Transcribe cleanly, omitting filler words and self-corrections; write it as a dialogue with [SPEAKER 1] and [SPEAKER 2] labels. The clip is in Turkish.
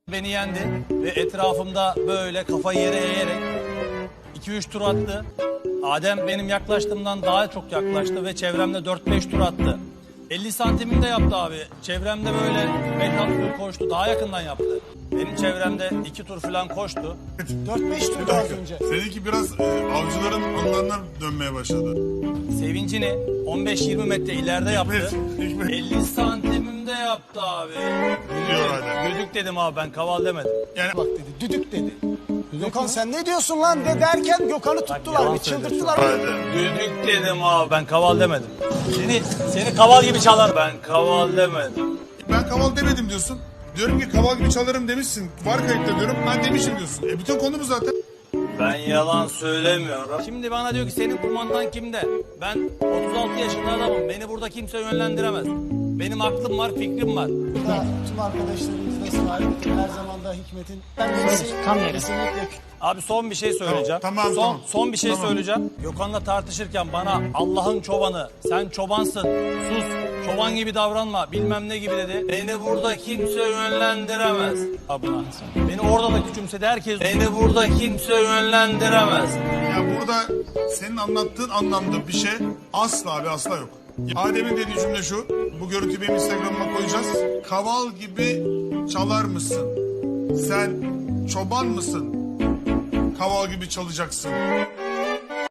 [SPEAKER 1] Beni yendi ve etrafımda böyle kafayı yere eğerek 2-3 tur attı. Adem benim yaklaştığımdan daha çok yaklaştı ve çevremde 4-5 tur attı. 50 santiminde yaptı abi. Çevremde böyle 5-6 tur koştu. Daha yakından yaptı. Benim çevremde 2 tur falan koştu.
[SPEAKER 2] 4-5 turdu az önce.
[SPEAKER 3] Seninki biraz avcıların anılarına dönmeye başladı.
[SPEAKER 1] Sevincini 15-20 metre ileride yaptı.
[SPEAKER 3] Hikmet.
[SPEAKER 1] 50 santimimde yaptı abi.
[SPEAKER 3] Biliyor Adem.
[SPEAKER 1] Düdük dedim abi, ben kaval demedim.
[SPEAKER 3] Yani
[SPEAKER 2] Bak dedi, düdük dedi. Gökhan sen ne diyorsun lan de derken Gökhan'ı tuttular,
[SPEAKER 1] yalan
[SPEAKER 2] bir çıldırttılar.
[SPEAKER 3] Adem.
[SPEAKER 1] Düdük dedim abi, ben kaval demedim. Seni kaval gibi çalar. Ben kaval demedim.
[SPEAKER 3] Ben kaval demedim diyorsun. Diyorum ki kaval gibi çalarım demişsin. Var kayıtta diyorum. Ben demişim diyorsun. Bütün konu bu zaten.
[SPEAKER 1] Ben yalan söylemiyorum. Şimdi bana diyor ki senin kumandan kimde? Ben 36 yaşında adamım. Beni burada kimse yönlendiremez. Benim aklım var, fikrim var.
[SPEAKER 2] Burada tüm arkadaşlarımız da sahip. Her zaman da Hikmet'in. Ben kesinlikle
[SPEAKER 1] Abi son bir şey söyleyeceğim.
[SPEAKER 3] Tamam.
[SPEAKER 1] Son bir şey
[SPEAKER 3] Tamam.
[SPEAKER 1] söyleyeceğim. Gökhan'la tartışırken bana Allah'ın çobanı, sen çobansın, sus, çoban gibi davranma, bilmem ne gibi dedi. Beni burada kimse yönlendiremez. Abına. Beni orada da küçümsedi herkes. Beni burada kimse yönlendiremez.
[SPEAKER 3] Ya burada senin anlattığın anlamda bir şey asla ve asla yok. Adem'in dediği cümle şu. Bu görüntüyü benim Instagram'ıma koyacağız. Kaval gibi çalar mısın? Sen çoban mısın? Kaval gibi çalacaksın.